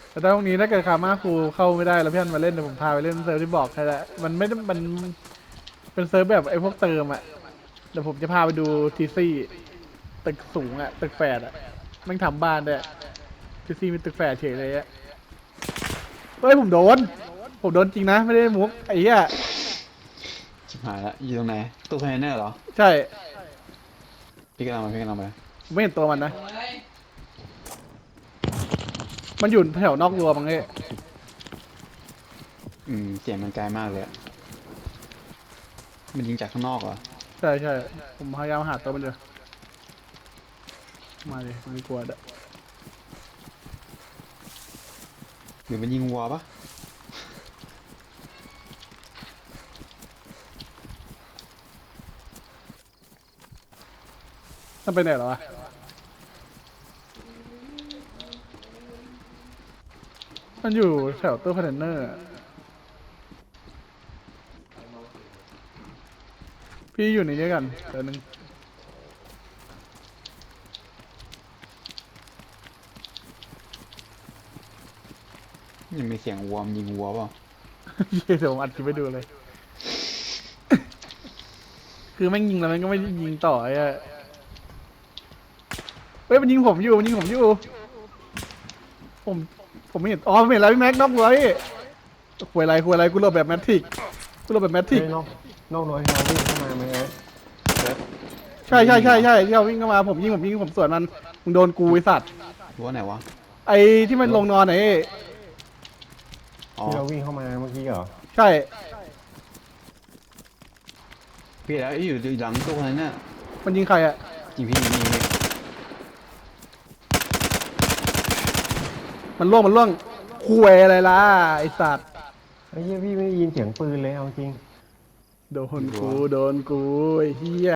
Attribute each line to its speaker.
Speaker 1: แต่ตรงนี้ถ้าเกิดคามาครูเข้าไม่ได้แล้วพี่อันมาเล่นเดี๋ยวผมพาไปเล่นเซิร์ฟที่บอกใครละมันไม่ได้มันเป็นเซิร์ฟแบบไอ้พวกเติมอ่ะเดี๋ยวผมจะพาไปดูทีซี่ตึกสูงอ่ะตึกแฝดอ่ะมันทำบ้านด้วยทีซี่มีตึกแฝดเฉยเลยอ่ะเฮ้ยผมโดนจริงนะไม่ได้มุกไอ้เหี้ย
Speaker 2: ชิบหายละอยู่ตรงไหนตู้คอนเทนเนอร์เหรอ
Speaker 1: ใช่
Speaker 2: พี่กำลังไป
Speaker 1: ผมไม่เห็นตัวมันนะมันอยู่แถวนอกรั้วมั้งเอ้ย
Speaker 2: เสียงมันไกลมากเลยอะมันยิงจากข้างนอกเหรอ
Speaker 1: ใช่ผมพยายามหาตัวมันอยู่มาดิไม่กลัวเด้อ
Speaker 2: หรือมันยิงวัวปะ
Speaker 1: มันไปไหนเหรอวะมันอยู่แถวตู้คอนเทนเนอร์อะพี่อยู่ในนี้กันเดี๋ยวนึง
Speaker 2: ยังมีเสียงวัวมันยิงวัวเปล่า
Speaker 1: เดี๋ยวผมอัดคลิปไปดูเลย คือแม่งยิงแล้วมันก็ไม่ยิงต่อไอ้อะเฮ้ยมันยิงผมอยู่ผมผมไม่เห็นอ๋อไม่เห็นแล้วพี่แม็กนอกรั้วพี่คุยอะไรกูหลบแบบแมทริก
Speaker 3: เฮ้ยนอกน้อยเราวิ่งเข้ามาไหมเอ้ย
Speaker 1: ใช่ที่เขาวิ่งเข้ามาผมยิงผมสวนมันมึงโดนกูไอสัตว์
Speaker 2: วัวไหนวะ
Speaker 1: ไอ้ที่มันลงนอนไหน
Speaker 2: อ๋อ
Speaker 3: ที่เราวิ่งเข้ามาเมื่อกี้เหรอ
Speaker 1: ใช่
Speaker 2: พี่แล้วอยู่หลังตู้คอนเทนเนอร์
Speaker 1: มันยิงใครอะ
Speaker 2: จริงพี่ยิงพี่
Speaker 1: มันล่วงคุยอะไรล่ะไอสัตว์
Speaker 3: ไอ้เหี้ยพี่ไม่ได้ยินเสียงปืนเลยเอาจริง
Speaker 1: โดนกูไอ้เหี้ย